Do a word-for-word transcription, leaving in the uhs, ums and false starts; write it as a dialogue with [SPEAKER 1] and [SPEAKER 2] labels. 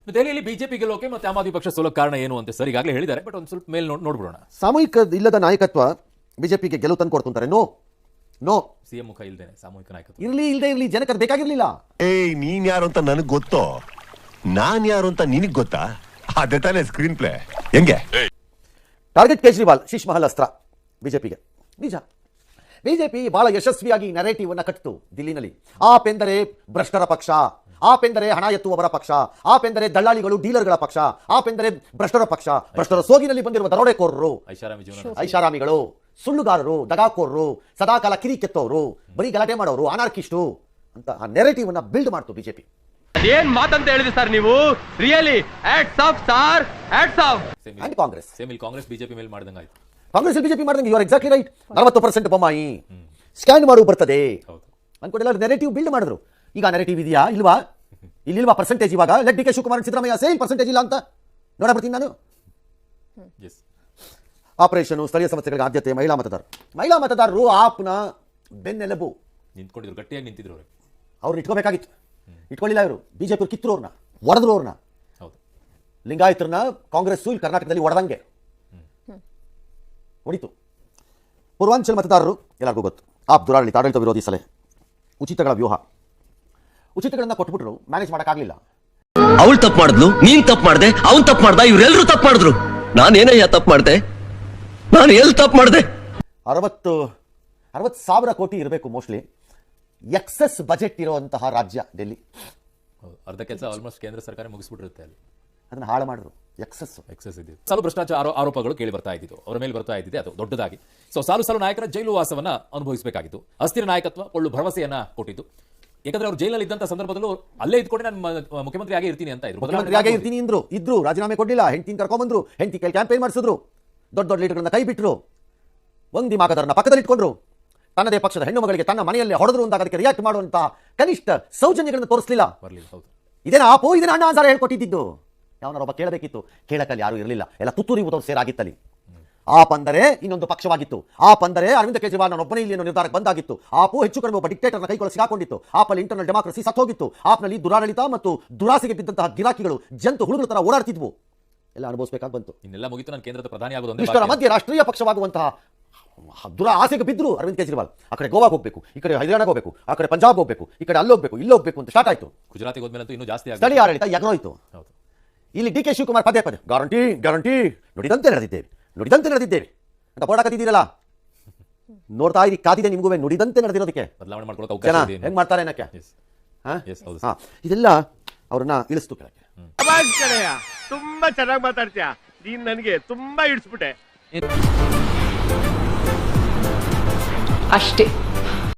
[SPEAKER 1] ದೆಹಲಿಯಲ್ಲಿ ಬಿಜೆಪಿ ಗೆಲ್ಲೋಕೆ ಮತ್ತೆ ಆಮ್ ಆದ್ಮಿ ಪಕ್ಷ ಸೋಲೋಕೆ ಕಾರಣ ಏನು ಅಂತ ಸರ್ ಈಗಾಗಲೇ ಹೇಳಿದ್ದಾರೆ. ಬಟ್ ಒಂದು ಸ್ವಲ್ಪ ಮೇಲೆ ನೋಡ್ ನೋಡ್ಬಿಡೋಣ.
[SPEAKER 2] ಸಾಮೂಹಿಕ ಇಲ್ಲದ ನಾಯಕತ್ವ ಬಿಜೆಪಿಗೆ ಗೆಲುವು ತಂದು ಕೊಡ್ತಾರೆ. ನೋ ನೋ
[SPEAKER 1] ಸಿಎಂ ಮುಖ ಇಲ್ದೇನೆ ಸಾಮೂಹಿಕ ನಾಯಕತ್ವ
[SPEAKER 2] ಇರ್ಲಿ ಇಲ್ಲದೆ ಇರ್ಲಿ ಜನಕ್ಕೆ ಅದು ಬೇಕಾಗಿರ್ಲಿಲ್ಲ.
[SPEAKER 3] ಏಯ್ ನೀನ್ ಯಾರು ಅಂತ ನನಗೆ ಗೊತ್ತೋ, ನಾನ್ ಯಾರು ಅಂತ ನಿನಗೆ ಗೊತ್ತಾ? ಅದೇ ತಾನೇ ಸ್ಕ್ರೀನ್ ಪ್ಲೇ. ಹೆಂಗೆ
[SPEAKER 2] ಟಾರ್ಗೆಟ್ ಕೇಜ್ರಿವಾಲ್ ಶೀಶ್ ಮಹಲ್ ಅಸ್ತ್ರ ಬಿಜೆಪಿಗೆ. ನಿಜ ಬಿಜೆಪಿ ಬಹಳ ಯಶಸ್ವಿಯಾಗಿ ನರೇಟಿವ್ ಅನ್ನ ಕಟ್ಟಿತು ದಿಲ್ಲಿನಲ್ಲಿ. ಆಪ್ ಎಂದರೆ ಭ್ರಷ್ಟರ ಪಕ್ಷ, ಆಪ್ ಎಂದರೆ ಹಣ ಎತ್ತುವವರ ಪಕ್ಷ, ಆಪ್ ಎಂದರೆ ದಳ್ಳಾಳಿಗಳು ಡೀಲರ್ಗಳ ಪಕ್ಷ, ಆಪ್ ಎಂದರೆ ಭ್ರಷ್ಟರ ಪಕ್ಷ, ಭ್ರಷ್ಟರ ಸೋಗಿನಲ್ಲಿ ಬಂದಿರುವ ದರೋಡೆಕೋರರು,
[SPEAKER 1] ಐಷಾರಾಮಿ ಜೀವನ
[SPEAKER 2] ಐಷಾರಾಮಿಗಳು, ಸುಳ್ಳುಗಾರರು, ದಗಾಕೋರರು, ಸದಾಕಾಲ ಕಿರಿ ಕೆತ್ತೋರು, ಬರೀ ಗಲಾಟೆ ಮಾಡೋರು, ಅನಾರ್ಕಿಸ್ಟು ಅಂತ ಆ ನೆರೇಟಿವ್ ಅನ್ನ ಬಿಲ್ಡ್ ಮಾಡ್ತು ಬಿಜೆಪಿ.
[SPEAKER 4] ಏನ್ ಮಾತಂತ ಹೇಳಿದ್ರಿ ಸರ್ ನೀವು? Really hats off sir, hats off.
[SPEAKER 2] And Congress
[SPEAKER 1] same ಇಲ್ಲಿ ಕಾಂಗ್ರೆಸ್ ಬಿಜೆಪಿ ಮೇಲೆ ಮಾಡ್ದಂಗ ಆಯ್ತು.
[SPEAKER 2] ಕಾಂಗ್ರೆಸ್ ಬಿಜೆಪಿ ಮಾಡಿದಂಗೆ ಯು ಆರ್ ಎಕ್ಸಾಕ್ಟ್ಲಿ ರೈಟ್. ನಲವತ್ತು ಪರ್ಸೆಂಟ್ ಬೊಮ್ಮಾಯಿ ಸ್ಕ್ಯಾನ್ ಮಾಡು ಬರ್ತದೆ ಅನ್ಕೊಂಡೆಲ್ಲ ನೆರೇಟಿವ್ ಬಿಲ್ಡ್ ಮಾಡಿದ್ರು. ಈಗ ನೆರೇಟಿವ್ ಇದೆಯಾ ಇಲ್ವಾ? ಇಲ್ಲಿಲ್ವಾ ಪರ್ಸೆಂಟೇಜ್? ಇವಾಗ let D K Shivakumar Siddaramaiah sale percentage ಇಲ್ಲ ಅಂತ ನೋಡ ಬರ್ತೀನಿ ನಾನು. ಆಪರೇಷನ್ ಸ್ಥಳೀಯ ಸಮಸ್ಯೆಗಳಿಗೆ ಆದ್ಯತೆ, ಮಹಿಳಾ ಮತದಾರರು, ಮಹಿಳಾ ಮತದಾರರು ಆಪ್ನ ಬೆನ್ನೆಲುಬು.
[SPEAKER 1] ನಿಂತ್ಕೊಂಡಿದ್ರು, ಗಟ್ಟಿಯಾಗಿ ನಿಂತಿದ್ರು. ಅವರು
[SPEAKER 2] ಅವ್ರು ಇಟ್ಕೋಬೇಕಾಗಿತ್ತು, ಇಟ್ಕೊಳ್ಳಿಲ್ಲ. ಇವರು ಬಿಜೆಪಿ ಕಿತ್ತರು, ಅವ್ರನ್ನ ಒಡೆದ್ರು. ಅವ್ರನ್ನ ಲಿಂಗಾಯತರನ್ನ ಕಾಂಗ್ರೆಸ್ ಇಲ್ಲಿ ಕರ್ನಾಟಕದಲ್ಲಿ ಒಡೆದಂಗೆ ಹೊಡಿತು. ಪೂರ್ವಾಂಚಲ ಮತದಾರರು ಎಲ್ಲರಿಗೂ ಗೊತ್ತು. ಆಪ್ ದುರಾಡಳಿತ, ಆಡಳಿತ ವಿರೋಧಿ ಸಲಹೆ, ಉಚಿತಗಳ ವ್ಯೂಹ, ಉಚಿತಗಳನ್ನ ಕೊಟ್ಬಿಟ್ರು, ಮ್ಯಾನೇಜ್ ಮಾಡೋಕ್ಕಾಗಲಿಲ್ಲ.
[SPEAKER 5] ಅವಳು ತಪ್ಪು ಮಾಡಿದ್ಲು, ನೀನ್ ತಪ್ಪು ಮಾಡ್ದೆ, ಅವ್ನ್ ತಪ್ಪು ಮಾಡ್ದ, ಇವರೆಲ್ಲರೂ ತಪ್ಪು ಮಾಡಿದ್ರು. ನಾನೇನಯ್ಯ ತಪ್ಪು ಮಾಡ್ದೆ? ನಾನು ಎಲ್ಲಿ ತಪ್ಪು ಮಾಡ್ದೆ?
[SPEAKER 2] ಅರವತ್ತು ಅರವತ್ತು ಸಾವಿರ ಕೋಟಿ ಇರಬೇಕು ಮೋಸ್ಟ್ಲಿ ಎಕ್ಸೆಸ್ ಬಜೆಟ್ ಇರುವಂತಹ ರಾಜ್ಯ ಡೆಲ್ಲಿ.
[SPEAKER 1] ಅರ್ಧ ಕೆಲಸ ಆಲ್ಮೋಸ್ಟ್ ಕೇಂದ್ರ ಸರ್ಕಾರ ಮುಗಿಸ್ಬಿಟ್ಟಿರುತ್ತೆ ಅಲ್ಲಿ.
[SPEAKER 2] ಅದನ್ನ ಹಾಳು ಮಾಡಿದ್ರು. ಎಕ್ಸೆಸ್
[SPEAKER 1] ಎಕ್ಸೆಸ್ ಇದೆ. ಸಾಲು ಭ್ರಷ್ಟಾಚಾರ ಆರೋಪಗಳು ಕೇಳಿ ಬರ್ತಾ ಇದ್ದಿತ್ತು, ಅವರ ಮೇಲೆ ಬರ್ತಾ ಇದ್ದಿದೆ ಅದು ದೊಡ್ಡದಾಗಿ. ಸೊ ಸಾಲು ಸಾಲು ನಾಯಕರ ಜೈಲು ವಾಸವನ್ನ ಅನುಭವಿಸಬೇಕಾಗಿತ್ತು. ಅಸ್ಥಿರ ನಾಯಕತ್ವ ಕೊಳ್ಳು ಭರವಸೆಯನ್ನ ಕೊಟ್ಟಿದ್ದು. ಯಾಕಂದ್ರೆ ಅವರು ಜೈಲಲ್ಲಿ ಇದ್ದಂತ ಸಂದರ್ಭದಲ್ಲೂ ಅಲ್ಲೇ ಇದ್ಕೊಂಡು ನಾನು ಮುಖ್ಯಮಂತ್ರಿ ಆಗೇ ಇರ್ತೀನಿ ಅಂತ ಇದ್ರು.
[SPEAKER 2] ಮುಖ್ಯಮಂತ್ರಿ ಆಗೇ ಇರ್ತೀನಿ ಅಂದ್ರು, ಇದ್ರು, ರಾಜೀನಾಮೆ ಕೊಡ್ಲಿಲ್ಲ, ಹೆಂಡತಿನ ಕರ್ಕೊಂಡ್ಬಂದ್ರು, ಹೆಂಡತಿ ಕೈ ಕ್ಯಾಂಪೇನ್ ಮಾಡಿಸಿದ್ರು, ದೊಡ್ಡ ದೊಡ್ಡ ಲೀಡರ್ಗಳನ್ನ ಕೈ ಬಿಟ್ಟರು, ಒಂದಿ ಮಾಕದರನ್ನ ಪಕ್ಕದಲ್ಲಿ ಇಟ್ಕೊಂಡ್ರು, ತನ್ನದೇ ಪಕ್ಷದ ಹೆಣ್ಣು ಮಗಳಿಗೆ ತನ್ನ ಮನೆಯಲ್ಲೇ ಹೊಡೆದ್ರು ಅಂದಾಗ ಅದಕ್ಕೆ ರಿಯಾಕ್ಟ್ ಮಾಡುವಂತ ಕನಿಷ್ಠ ಸೌಜನ್ಯಗಳನ್ನು ತೋರಿಸಲಿಲ್ಲ. ಇದೇನ ಆಪು, ಇದೇನ ಅಣ್ಣ ಅಂತಾರ ಹೇಳ್ಕೊಟ್ಟಿದ್ದು. ಯಾವನಾರೊಬ್ಬ ಕೇಳಬೇಕಿತ್ತು, ಕೇಳಕ್ಕಲ್ಲಿ ಯಾರು ಇರಲಿಲ್ಲ, ಎಲ್ಲ ತುತ್ತೂರಿ ಊದವ್ರು ಸೇರಾಗಿತ್ತಲ್ಲಿ. ಆಪ್ ಅಂದರೆ ಇನ್ನೊಂದು ಪಕ್ಷವಾಗಿತ್ತು. ಆಪ್ ಅಂದರೆ ಅರವಿಂದ ಕೇಜ್ರಿವಾಲ್ ನಾನು ಒಬ್ಬನೇ ಇಲ್ಲಿ ಅನ್ನೋ ನಿರ್ಧಾರಕ್ಕೆ ಬಂದಾಗಿತ್ತು. ಆಪು ಹೆಚ್ಚು ಕಡಿಮೆ ಒಬ್ಬ ಡಿಕ್ಟೇಟರ್ನ ಕೈಗೊಳ್ಳಿ ಸಿಗಾಕೊಂಡಿತ್ತು. ಆಪಲ್ಲಿ ಇಂಟರ್ನಲ್ ಡೆಮಾಕ್ರಸಿ ಸತ್ತೋಗಿತ್ತು. ಆಪ್ನಲ್ಲಿ ದುರಾಡಳಿತ ಮತ್ತು ದುರಾಸೆಗೆ ಬಿದ್ದಂತಹ ಗಿರಾಕಿಗಳು ಜಂತು ಹುಳುಗಳ ತರ ಓಡಾಡ್ತಿದ್ವು. ಎಲ್ಲ ಅನುಭವಿಸಬೇಕಾಗಿ ಬಂತು.
[SPEAKER 1] ಇನ್ನೆಲ್ಲ ಮುಗಿತು, ನಾನು ಕೇಂದ್ರದ ಪ್ರಧಾನಿ ಆಗೋದು.
[SPEAKER 2] ಇಷ್ಟರ ಮಧ್ಯೆ ರಾಷ್ಟ್ರೀಯ ಪಕ್ಷವಾಗುವಂತಹ ದುರಾ ಆಸೆಗೆ ಬಿದ್ರು ಅರವಿಂದ್ ಕೇಜ್ರಿವಾಲ್. ಆ ಕಡೆ ಗೋವಾಗೆ ಹೋಗಬೇಕು, ಈ ಕಡೆ ಹರಿಯಾಣಕ್ಕೆ ಹೋಗಬೇಕು, ಆ ಕಡೆ ಪಂಜಾಬ್ ಹೋಗಬೇಕು, ಈ ಕಡೆ ಅಲ್ಲೋಗ್ಬೇಕು, ಇಲ್ಲೋಗ್ಬೇಕು ಅಂತ ಸ್ಟಾರ್ಟ್ ಆಯ್ತು.
[SPEAKER 1] ಗುಜರಾತಿಗೆ ಹೋದ್ಮೇಲೆ ಇನ್ನೂ ಜಾಸ್ತಿ
[SPEAKER 2] ಸ್ಥಳೀಯ ಆಡಳಿತ ಎಗರೋಯ್ತು. ಇಲ್ಲಿ ಡಿ ಕೆ ಶಿವಕುಮಾರ್ ಪದೇ ಪದೇ ಗ್ಯಾರಂಟಿ ಗ್ಯಾರಂಟಿ ನುಡಿದಂತೆ ನಡೆದಿದ್ದೇವೆ, ನುಡಿದಂತೆ ನಡೆದಿದ್ದೇವೆ ಅಂತ ಬೋಡಾಕತ್ತಿದ್ದೀರಲ್ಲ. ನೋಡ್ತಾ ಇರಿ, ಕಾದಿದೆ ನಿಮ್ಗೂ ನುಡಿದಂತೆ ನಡೆದಿರೋದಕ್ಕೆ.
[SPEAKER 1] ಬದಲಾವಣೆ ಮಾಡ್ಕೊಳ್ಳೋಕೆ
[SPEAKER 2] ಜನ
[SPEAKER 1] ಅವಕಾಶ ಇದೆ.
[SPEAKER 2] ಹೆಂಗ್ ಮಾಡ್ತಾರೆ ಅನ್ನಕ್ಕೆ ಇದೆಲ್ಲ ಅವ್ರನ್ನ ಇಳಿಸ್ತು ಕೆಳಗೆ.
[SPEAKER 4] ತುಂಬಾ ಚೆನ್ನಾಗಿ ಮಾತಾಡ್ತೀಯ ನೀನ್, ನನಗೆ ತುಂಬಾ ಇಡಿಸ್ಬಿಟ್ಟೆ
[SPEAKER 6] ಅಷ್ಟೇ.